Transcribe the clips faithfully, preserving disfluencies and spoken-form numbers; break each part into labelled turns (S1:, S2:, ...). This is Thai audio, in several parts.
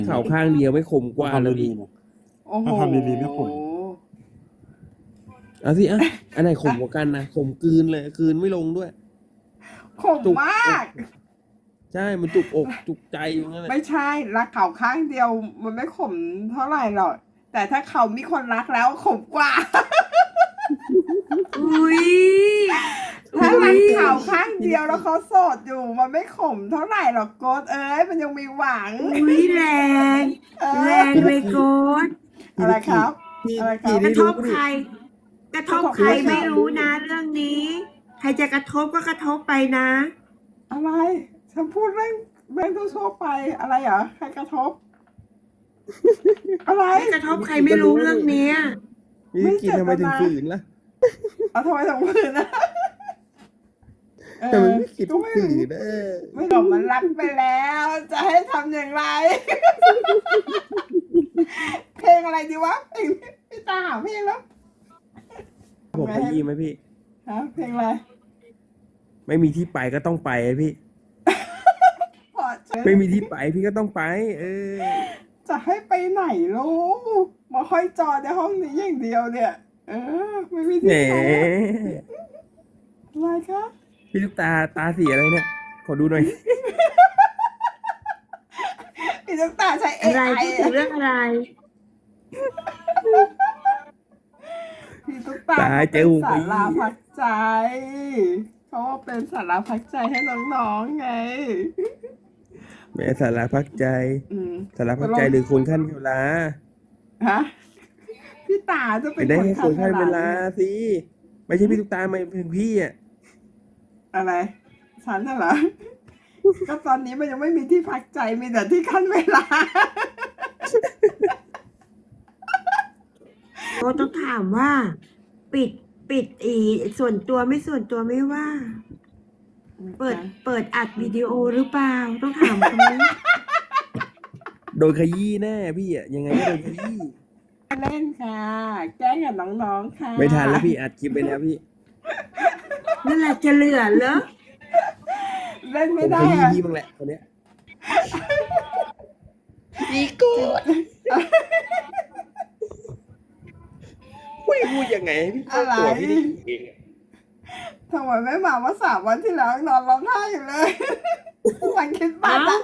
S1: เข่าข้างเดียวไม่คมกว่า
S2: ทำ
S1: แล้ว
S2: ดี
S1: พี่
S2: ๆนะ
S3: โอ้โห
S2: ถ้าทำดีๆไม่ขม
S1: เอาสิอ่ะอันไหนขมกว่ากันนะขมกลืนเลยกลืนไม่ลงด้วย
S3: ขม
S1: จุก
S3: มาก
S1: ใช่มันจุกอกจุกใจอยู่งั้นแหละ
S3: ไม่ใช่รักเขาข้างเดียวมันไม่ขมเท่าไหร่หรอกแต่ถ้าเขามีคนรักแล้วขมกว่า
S4: อุ้ย
S3: ถ้ารักเขาข้างเดียวแล้วเขาโสดอยู่มันไม่ขมเท่าไหร่หรอกโกดเอ้ยมันยังมีหวัง
S4: อุ้ยแรง
S3: เออ
S4: แรงเลยโกด
S3: อะไรครับ
S1: พี่
S3: อะไรครั
S1: พี่
S3: บ
S4: ก
S1: ได้
S4: ระท
S1: รู้
S4: บ
S1: ปะ
S4: ใคร
S1: นี่
S4: กระทบใครไม่รู้นะเรื่องนี้ ใครจะกระทบก็กระทบไปนะ
S3: อะไรฉันพูดเรื่องเรื่องทั่วๆไปอะไรเหรอใครกระทบ อะไร
S4: ไม่กระทบใครไม่รู้เรื่องเนี้ย
S1: พี่กินทำไมถึงฝืนล่ะ
S3: เอาทำไมถึงฝืนนะเอ
S1: ทำไม
S3: อ
S1: พี่กิน
S3: ก็ไม่
S1: ฝืนเออ
S3: ไม่หรอกมันรักไปแล้ว จะให้ทำอย่างไร เพลงอะไรดีวะเพลงพี่ตาหาเพลงแล้ว
S1: ผมขยี้ไหมพี่
S3: ฮะเพลงอะไร
S1: ไม่มีที่ไปก็ต้องไปอะพี่
S3: พอเจอ
S1: ไม่มีที่ไปพี่ก็ต้องไป เออ
S3: จะให้ไปไหนลูกมาค่อยจอในห้องนี้อย่างเดียวเนี่ย เออ ไม่มี
S1: แหม
S3: ที่ไปอะไรคะ
S1: พี่ลูกตาตาสีอะไรเนี่ย ขอดูหน่อย
S3: พี่ตุ๊กตาใช้เอ
S4: อะไร
S3: ไอ
S4: พูดถึงเรื่องอะไร
S3: พี่ตุ๊กตา
S1: ตาย
S3: ก็
S1: เจ
S3: เป็
S1: อน หู
S3: สา
S1: ไป
S3: ราพักใจเขาว่าเป็นสาราพักใจให้น้องๆไง
S1: แหมสาราพักใจ
S3: อืม
S1: สาราพักใจหรือคนขั้นเวลา
S3: ฮะพี่ตาจะเป็
S1: ไป
S3: น
S1: ได้
S3: คน
S1: ให้คนขั้นเวลา
S3: ขด
S1: สิ ไม่ใช่พี่ลูกตาไม่เป็นพี่อ่ะ
S3: อะไรฉันน่ะเหรอ ก็ตอนนี้มันยังไม่มีที่พักใจมีแต่ที่ขั้นเวลา
S4: โกดต้องถามว่า ปิดปิดอีส่วนตัวไม่ส่วนตัวไม่ว่า เปิดเปิดอัดวิดีโอหรือเปล่า ต้องถามคนนี้
S1: โดนขยี้แน่พี่อ่ะยังไงก็โดนขยี้
S3: เล่นค่ะ แกล้งกับน้องๆค่ะ
S1: ไม่ทันแล้วพี่อัดคลิปไปแล้วพี่
S4: นั่นแหละจะเหลือเหรอ
S3: เล่น
S1: ผ
S3: ไม่
S1: ม
S3: ได้
S1: ขยี้
S3: อะ
S1: พี่บ้างแหละคนเนี้ยพี่โกดพูดพูดยังไงให้พี่โกดตัวพี่ได้ยินเองอะ
S3: ทำไมไม่มาเมื่อสามวันที่แล้วนอนร้องไห้อยู่เลย วันคริดมาสอะ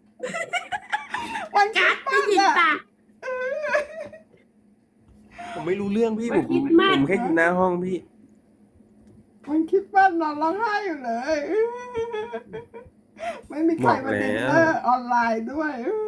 S3: วันคริ
S4: กั
S3: ด
S4: ด
S3: มา
S4: ไม่
S3: ส
S4: ยิน
S3: อะ
S4: ปาก
S1: ผมไม่รู้เรื่องพี่ผม
S4: คิดมาก
S1: ผมแค่อยู่หน้าห้องพี่
S3: วันคริดมาสนอนร้องไห้อยู่เลย ไม่มีใครมาดินเนอร์ออนไลน์ด้วย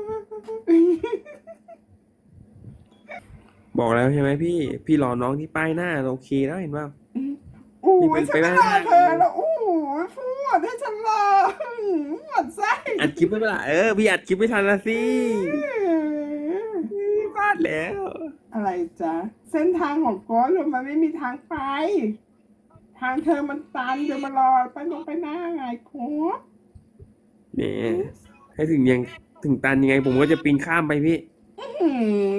S1: บอกแล้วใช่ไหมพี่ พี่รอน้องที่ป้ายหน้าโอเคแล้วเห็นป่า
S3: โอ้
S1: นี่
S3: ย
S1: เป็น
S3: ฉัน
S1: ไป
S3: ไม่
S1: ได้
S3: รอเธอแล้วโอ้ยพูดให้ฉันรอหมดไส้
S1: อัดคลิปไม่เป็นไรเออพี่อัดคลิปไม่ทันละสิพลาดแล้ว
S3: อะไรจ๊ะ เส้นทางของโกสมันไม่มีทางไป ทางเธอมันตันเดี๋ยวมารอไปลงไปหน้าไงโค้ด
S1: เนี่ยให้ถึงยังถึงตันยังไง ผมก็จะปีนข้ามไปพี่
S3: อืม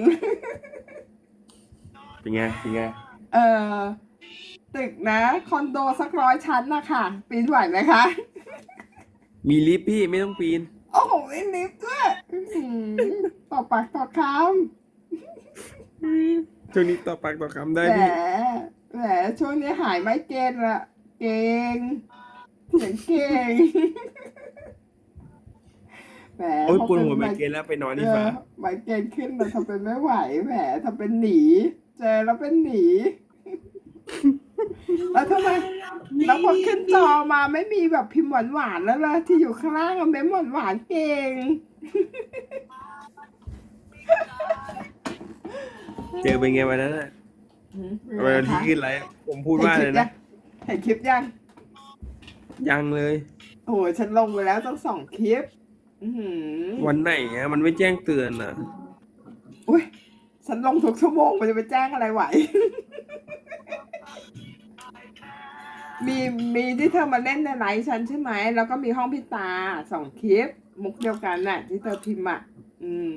S1: เป็นไงเป็นไง
S3: เออตึกนะคอนโดสักร้อยชั้นนะคะปีนไหวไหมคะ
S1: มีลิฟต์พี่ไม่ต้องปีน
S3: โอ้โหมีลิฟต์ด้วยอื้อหือต่อปากต่อค
S1: ช่วงนี้ต่อปากต่อคำ
S3: ำ
S1: ได้
S3: แหม
S1: พี่
S3: แหมช่วงนี้หายไม่เกณฑ์ละเก่งเสียงเก่งแหม
S1: โอ้ย
S3: พอ
S1: ปวด
S3: เป็น
S1: หัวไม
S3: ไม
S1: เกรนแล้วไปนอน
S3: เอ
S1: ดีกว่า
S3: อไมเกรนขึ้นมาทำเป็นไม่ไหวแหมทำเป็นหนี เจอแล้วเป็นหนี แล้วทำไมแล้วพอขึ้นจอมาไม่มีแบบพิมพ์หวานๆแล้วล่ะที่อยู่ข้างล่างอะเม้มหวานๆเก่ง
S1: เจอเป็นไงวันนั้นน่ะวันที่ขึ้นอะไรผมพูดว่าเลยนะ
S3: เห็นคลิปยัง
S1: ยังเลย
S3: โอ้โหฉันลงไปแล้วตั้งสองคลิป อือหือ
S1: วันไหนอะมันไม่แจ้งเตือนอ่ะ
S3: อุ้ยฉันลงทุกชั่วโมงมันจะไปแจ้งอะไรไหว มีมีที่เธอมาเล่นในไลฟ์ฉันใช่ไหม แล้วก็มีห้องพิตาสองคลิป มุกเดียวกันน่ะ ที่เธอพิมพ์อ่ะ อืม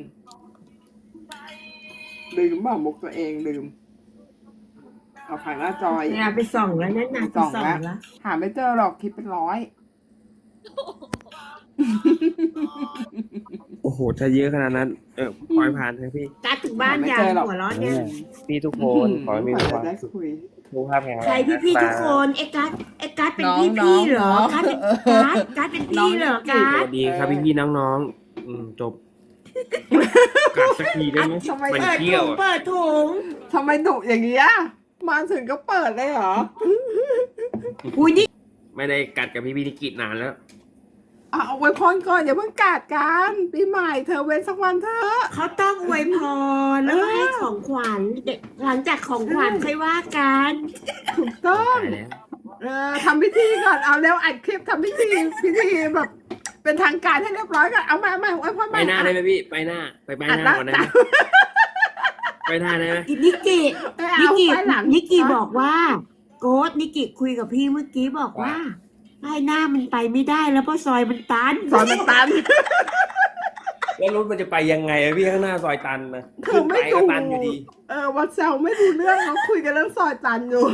S3: ลืมบอกมุกตัวเองลืม เอาผ่านหน้าจอย
S4: เนี่ยไปส่องแล้วนั่นน่ะไป
S3: ส่อง
S4: ส่อง
S3: แล้ว
S4: แล้ว
S3: หาไม่เจอหรอกคลิปเป็นร้อย
S1: โอ้โหถ้าเยอะขนาดนั้น เออปล่อยผ่านเถอะพี่
S4: การดถึงบ้าน
S3: ไม่
S4: ยา
S3: เจอหรอก
S4: หัวร้อนเนี่ย
S1: พี่ทุกคนขอให้มี
S3: ก
S1: ค
S3: ว่า
S1: วาม
S3: จะได้
S1: สุข
S3: คุย
S1: สุขภาพแข็งแรง
S4: ใครพี่พี่ๆทุกคนเอ็กการ์ดเอ็กการ์ดเป็น
S3: น้อง
S4: พี่
S3: น้
S4: พี่
S3: อง
S4: เหรอ
S3: น้อง
S4: การ์ดเป็น
S3: เออ
S4: การ์ดการ์ดเป็นพี่เหรอ
S3: น้อง
S4: การ์
S1: ส
S4: ด
S1: วัสดีครับพี่พี่ๆน้องๆ อืมจบกลับสักทีได้ไหม
S3: ทำไม
S1: มัน
S4: เปิด
S1: เที่ย
S4: ถุ
S1: ว
S4: ง
S1: อะ
S4: เปิดถุง
S3: ทำไมดุอย่างเงี้ยมาถึงก็เปิดเลยเหรอ
S4: อุ้ยนี่
S1: ไม่ได้กัดกับพี่พี่นิกินานแล้ว
S3: อ่ะเอาไว้พรก่อนอย่าเพิ่งกาดกันปีใหม่เธอเว้นสักวันเถอะ
S4: เขาต้องอวยพรแล้วก็ให้ของขวัญเด็กหลังจากของขวัญค่อยว่ากัน
S3: ถูกต้อง
S1: ตายแล้ว
S3: เออทำพิธีก่อนเอาแล้วอัดคลิปทำพิธีพิธีแบบ เป็นทางการให้เรียบร้อยก่อนเอามามาไว้พร
S1: ไปหน้าได้ไหมพี่ ไปหน้า ไปไปห
S3: อัด
S1: น้า
S3: ละ
S1: ก่อนได้ไหมไปหน้าได้ไหม
S4: นิกิ
S3: ไม่
S4: นิ
S3: เอา
S4: กิ
S3: ไปหลัง
S4: นิกิบอกว่า โกดนิกิคุยกับพี่เมื่อกี้บอกว่าไอ้หน้ามันไปไม่ได้แล้วเพราะซอยมันตัน
S3: สอนมันตัน
S1: แล้วรถมันจะไปยังไงอะพี่ข้างหน้าซอยตันนะ
S3: เธอ
S1: ขึ้น
S3: ไม่
S1: ไปก็
S3: ดู
S1: ตันอยู่ดี
S3: เออวัดเซลไม่ดูเรื่องเขาคุยกันเรื่องซอยตันอยู่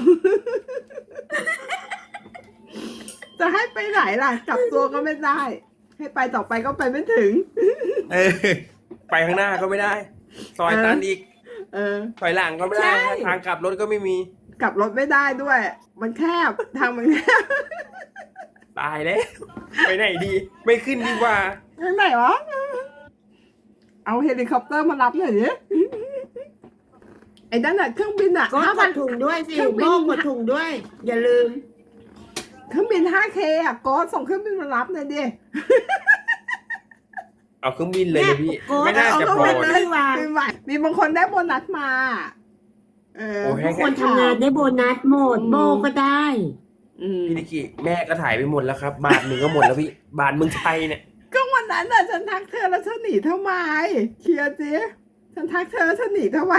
S3: จะให้ไปไหนล่ะกลับตัวก็ไม่ได้ ให้ไปต่อไปก็ไปไม่ถึง
S1: เออ ไปข้างหน้าก็ไม่ได้ ซอยตันอีก
S3: เออ
S1: ถอยหลังก็ไม่ได้
S3: ใช่
S1: ทางกลับรถก็ไม่มี
S3: กลับรถไม่ได้ด้วย มันแคบทางมันแคบ
S1: ตายแล้ว ไปไหนดี ไม่ขึ้นดีกว่า
S3: ทางไหนวะเอาเฮลิคอปเตอร์มารับหน่อยดิไอ้นั่นน่ะเครื่องบินอ่ะ
S4: โกด
S3: ห้าก พัน
S4: ดถุงด้วยสิ
S3: เครื่องบิน
S4: โบกกดถุงด้วย อย่าลืม
S3: เครื่องบิน ห้าเค อ่ะโก็ส่งเครื่องบินมารับหน่อยดิ
S1: เอาเครื่องบินเลยเลยพี่
S4: โกด
S1: ไม่น่าจะ
S3: เอา
S1: พอ
S3: เครื่องบิน
S1: นะ
S3: เลยปีใหม่มีบางคนได้โบนัสมา เออ
S1: โอ้ให้
S4: คนทำงานได้โบนัสหมดโบก็ได้
S3: อืม
S1: พี่นิกิแม่ก็ถ่ายไปหมดแล้วครับ บาทหนึ่งก็หมดแล้วพี่ บาทเมืองไทยเนี่ย
S3: ก็วันนั้นน่ะฉันทักเธอแล้วเธอหนีทำไมเคลียร์สิฉันทักเธอแล้วเธอหนีทำไม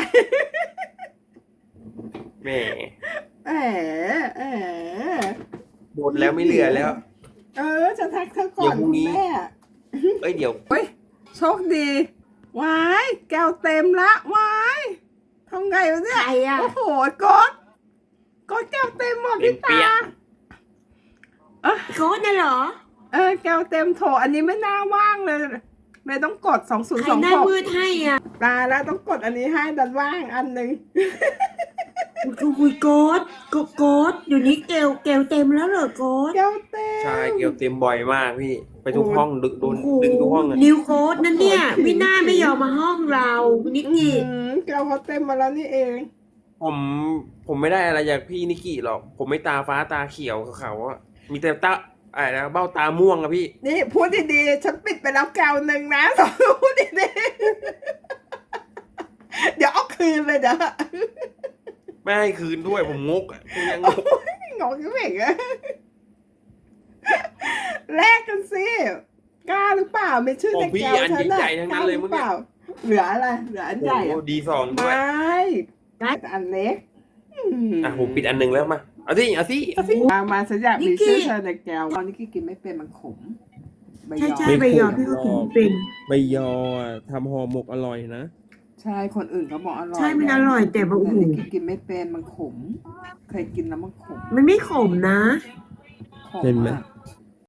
S1: แม่
S3: แหมแหม
S1: หมดแล้วไม่เหลือแล้ว
S3: เออฉันทักเธอก่
S1: เดี๋
S3: อย น
S1: วพรุ่งนี้
S3: คุณแม่
S1: เอ้ยเดี๋ยว
S3: เฮ้ยโชคดีวายแก้วเต็มละวายทำไงวะเนี่ย
S4: ใครอ่ะ
S3: โอ้โหกดกดแก้วเต็มหมด
S1: เต็
S3: พี่
S1: มเปี้
S3: ตาย
S4: โกดน่ะเหรอ
S3: เออแก้วเต็มโถอันนี้ไม่น่าว่างเลยไม่ต้องกดสองศูนย์
S4: ใคร
S3: สอง
S4: หน้า
S3: หก
S4: มืดให้อ่ะ
S3: ตายแล้วต้องกดอันนี้ให้ดันว่างอันหนึ่ง
S4: คุยโกดโกโกดอยู่นี้เกลเกลเต็มแล้วเหรอโกด
S3: แก้วเต็ม
S1: ใช่เกี่ยวเต็มบ่อยมากพี่ ไปทุก
S3: โอ้
S1: ห้องดึกโด
S4: โอ้
S1: น
S4: โห
S1: ดึงทุกห้องอะ
S4: นิวโกดนั่นเนี่ย
S3: โอ้โห
S4: วิน่าไม่ยอมมาห้องเรานิก
S3: อื
S4: กี้
S3: มแก้วเขาเต็มมาแล้วนี่เอง
S1: ผมผมไม่ได้อะไรจากพี่นิกิหรอก ผมไม่ตาฟ้าตาเขียวกับเขาอะมีแต่ตาอะไรนะเบ้าตาม่วงอะพี่
S3: นี่พูดดีๆฉันปิดไปแล้วแก้วหนึ่งนะ สองพูดดีๆเดี๋ยวเอาคืนเลยเด้อ
S1: ไม่ให้คืนด้วยผมงกอะผมยังงก
S3: งงยังไงอะแลกกันสิกล้าหรือเปล่าไม่ชื่อ
S1: ขอ
S3: ใน
S1: งพี่
S3: แก้ว
S1: อัน
S3: ฉันน่ะ
S1: ใหญ่ๆทั้ง
S3: ก
S1: นั้
S3: ล้าน ห
S1: เลย
S3: รื
S1: มึ
S3: อง เป
S1: เนี่ย
S3: ล่าเหลืออะไรเหลืออันใหญ่
S1: โอ้
S3: อะ
S1: ดีสองด้วย
S3: ไม่อันเล็กอืม
S1: อ่ะผมปิดอันหนึ่งแล้วมา เอาสิเอาสิเอาสิ
S3: มามาฉันอยากมีชื่อเธอในแก้วตอนนี้กี้กินไม่เป็นมันขมใบ
S4: ใช่
S3: ยอ
S4: ใช่ใบยอพี่ก็ถึงเป็น
S1: ใบยอทำห่อหมกอร่อยนะ
S3: ใช่คนอื่นเขาบอกอร่อย
S4: ใช่มันอร่อยแต่แบบโอ้โห
S3: แต่นิกกี้กินไม่เป็นมันขม เคยกินแล้วมันขม
S4: มันไม่ขมนะ
S3: ขม
S1: เห็นไหม
S3: อะ